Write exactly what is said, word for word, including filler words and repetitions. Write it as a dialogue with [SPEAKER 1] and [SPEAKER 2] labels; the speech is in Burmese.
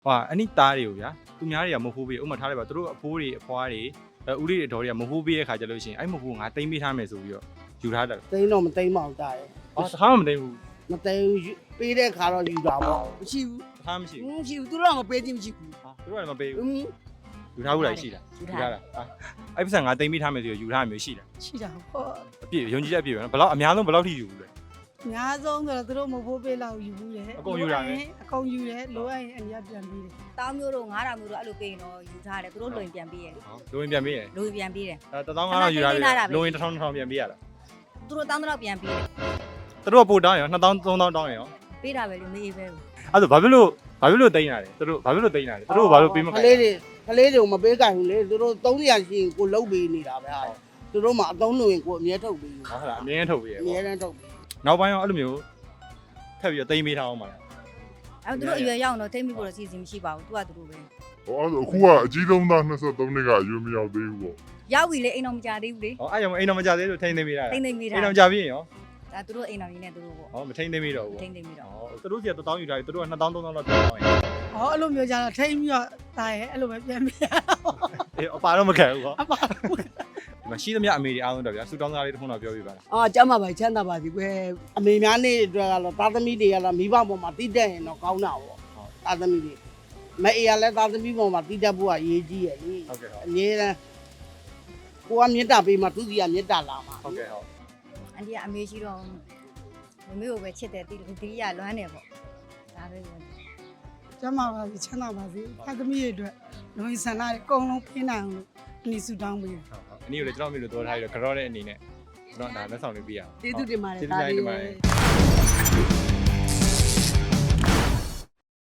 [SPEAKER 1] ဟာအနိသားတွေကိုဗျာသူများတွေကမဟုတ်ဘူးဥမာထားလိုက်ပါသူတို့အဖိုးတွေအဖွားတွေဦးလေးတွေတော်တွေကမဟုတ်ဘူးရဲ့ခါကြလို့ရှိရင်အဲ့မဟုတ်ဘူးငါတိမ့်ပေးထားမယ်ဆိုပြီးတော့ယူထားတယ်
[SPEAKER 2] သိန်းတော့မသိန်းမအောင်တာရယ်
[SPEAKER 1] အော်တခါမှမတိမ့်ဘူး
[SPEAKER 2] မသိန်းပေးတဲ့ခါတော့ယူတာပေါ့မရှိဘူး
[SPEAKER 1] တခါမရှိဘူး
[SPEAKER 2] မရှိဘူးသူတို့ကမပေးခြင်းမရှိဘူး
[SPEAKER 1] ဟာသူတို့ကလည်းမပေး
[SPEAKER 2] อื
[SPEAKER 1] ဘူး
[SPEAKER 2] ม
[SPEAKER 1] ယူထားဘူးလားရှိလားယူထားတာအဲ့ပတ်စံငါတိမ့်ပေးထားမယ်ဆိုပြီးယူထားမျိုးရှိလား
[SPEAKER 3] ရှိတာပေါ့
[SPEAKER 1] အပြည့်ယုံကြည်ချက်အပြည့်ပဲနော်ဘယ်လောက်အများဆုံးဘယ်လောက်ထိယူဘူးလဲ
[SPEAKER 3] အများဆုံးဆိုတော့သူတို့မဖို့ပေးလောက်ယူဘူးလေအကုန်ယူတယ်လိုအပ်ရင်အများပြန်ပြီးတယ်
[SPEAKER 4] တောင်းမျိုးတို့ငါးတောင်မျိုးတို့အဲ့လိုပေးရင်တော့ယူထားတယ်သူတို့လွင်ပြန်ပေးရတယ်
[SPEAKER 1] လိုရင်ပြန်ပေးရ
[SPEAKER 4] လွင်ပြန်ပေးတယ်
[SPEAKER 1] အဲတသောင်းငါးထောင်ယူထားတယ်လိုရင်တစ်ထောင်တစ်ထောင်ပြန်ပေးရတာ
[SPEAKER 4] သူတို့တောင်းတော့ပြန်ပေးတယ်
[SPEAKER 1] သူတို့ကပို့တောင်းရောနှစ်သောင်းသုံးသောင်းတောင်းရော
[SPEAKER 4] ပေးတာပဲလေမေးပဲ
[SPEAKER 1] အဲ့ဒါဘာဖြစ်လို့ဘာဖြစ်လို့တိမ့်ရတယ်သူတို့ဘာဖြစ်လို့တိမ့်ရတယ်သူတို့ဘာလို့ပေးမ
[SPEAKER 2] က
[SPEAKER 1] ခိုင်း
[SPEAKER 2] လေးတွေကလေးတွေကိုမပေးကြဘူးလေသူတို့သုံးရာရှိရင်ကိုလုတ်ပေးနေတာပဲဟာသူတို့မှအသုံးလို့ရင်ကိုအမြဲထုတ်ပေး
[SPEAKER 1] ဟုတ်လားအမြင်ထုတ်ပေးရ
[SPEAKER 2] အမြဲတမ်းထုတ်ပေး
[SPEAKER 1] နောက်ပိုင်းရောအဲ့လိုမျိုးထပ်ပြီးတော့တိမ့်ပေးထားအောင်ပါလား
[SPEAKER 4] အဲ့သူတို့အရွယ်ရောက်တော့ထိမ့်မိဖို့တော့စီစဉ်မရှိပါဘူးသူကသူတို့ပဲ
[SPEAKER 5] ဟောအဲ့ဒါအခုကအကြီးဆုံးသား၂၃နှစ်ကအရွယ်မရောက်သေးဘူးပေါ့
[SPEAKER 4] ရောက်ပြီလေအိမ်တော်မကြသေးဘူးလေ
[SPEAKER 1] ဟောအဲ့ကြောင့်အိမ်တော်မကြသေးလို့ထိမ့်သိမ့်ပေးတာ
[SPEAKER 4] ထိမ့်သိမ့်မိတာ
[SPEAKER 1] အိမ်တော်ကြပြီးရင်ရော
[SPEAKER 4] ဒါသူတို့အိမ်တော်ကြီးနဲ့သူတို့ပေါ့
[SPEAKER 1] ဟောမထိမ့်သိမ့်ပေးတော့ဘူး
[SPEAKER 4] ထိမ့်သိမ့်မိတော့
[SPEAKER 1] ဟောသူတို့စီကတစ်သောင်းယူထားတယ်သူတို့ကနှစ်သောင်းသုံးသောင်းလောက်ပြန်တောင်းရင်
[SPEAKER 3] ဟောအဲ့လိုမျိုးကြတော့ထိမ့်ပြီးတော့တာရဲအဲ့လိုပဲပြန်ပြီး
[SPEAKER 1] အေးအပါတော့မခံဘူးဟော
[SPEAKER 3] အပါ
[SPEAKER 1] ဒီမှာရှိသမျှအမေတွေအားလုံးတော့ဗျာစူတောင်းစားလေးတစ်ခုတော့ပြောပြပါလား
[SPEAKER 2] အာကျမ်းပါပါချမ်းသာပါစီကွယ်အမေများနေအတွက်ကတော့သားသမီးတွေကတော့မိဘပေါ်မှာတိတက်ရင်တော့ကောင်းတာပေါ့သားသမီးတွေမအေးရလဲသားသမီးပေါ်မှာတိတက်ဖို့ကအရေးကြီးရဲ့လေ
[SPEAKER 1] ဟုတ်ကဲ့ဟုတ်
[SPEAKER 2] အငြင်းတန်းကိုကမေတ္တာပေးမှသူစီကမေတ္တာလာမှာ
[SPEAKER 1] ဟုတ်ကဲ့ဟုတ်
[SPEAKER 4] အန်တီကအမေရှိတော့မမေကိုပဲချစ်တယ်တီတီရလွမ်းတယ်ပေါ့ဒါပဲ
[SPEAKER 3] ကျမပါစီချမ်းသာပါစေဖတ်သမီးတွေအတွက်လုံရင်ဆန္ဒတွေအကုန်လုံးပြင်းနိုင်အောင်လို့အနည်းစုတောင်းပေးတယ်
[SPEAKER 1] ဟုတ်ဟုတ်အနည်းကိုလည်းကျွန်တော်မျိုးလို့ပြောထားပြီးတော့ကြောတဲ့အနေနဲ့ကျွန်တော်ဒါလက်ဆောင်လေးပေးရအောင်
[SPEAKER 2] ကျေးဇူးတင်ပါတယ်
[SPEAKER 1] ကျေးဇူးတင်ပါတယ်